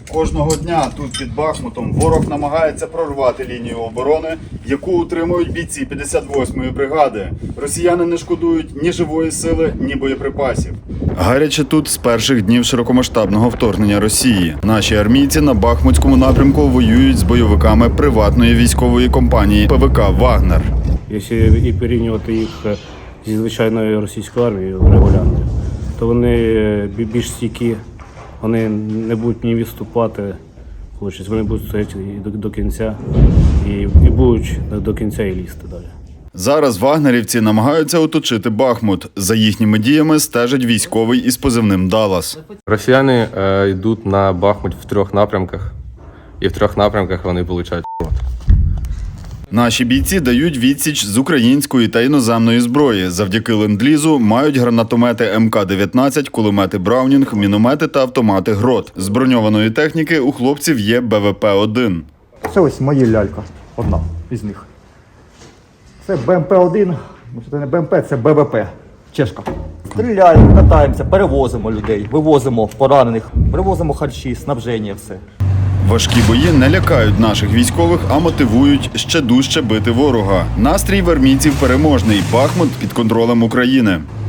Кожного дня тут під Бахмутом ворог намагається прорвати лінію оборони, яку утримують бійці 58-ї бригади. Росіяни не шкодують ні живої сили, ні боєприпасів. Гаряче тут з перших днів широкомасштабного вторгнення Росії. Наші армійці на Бахмутському напрямку воюють з бойовиками приватної військової компанії ПВК «Вагнер». Якщо і порівнювати їх зі звичайною російською армією регулярною, то вони більш стійкі, вони не будуть ні відступати, вони будуть стояти до кінця і будуть до кінця і лізти далі. Зараз вагнерівці намагаються оточити Бахмут. За їхніми діями стежить військовий із позивним «Даллас». Росіяни йдуть на Бахмут в 3 напрямках, і в 3 напрямках вони получають ***. Наші бійці дають відсіч з української та іноземної зброї. Завдяки ленд-лізу мають гранатомети МК-19, кулемети Браунінг, міномети та автомати ГРОД. З броньованої техніки у хлопців є БВП-1. Це ось моя лялька, одна із них. Це БМП-1, це не БМП, це БВП, чешка. Стріляємо, катаємося, перевозимо людей, вивозимо поранених, привозимо харчі, снабження, все. Важкі бої не лякають наших військових, а мотивують ще дужче бити ворога. Настрій в армійців переможний. Бахмут під контролем України.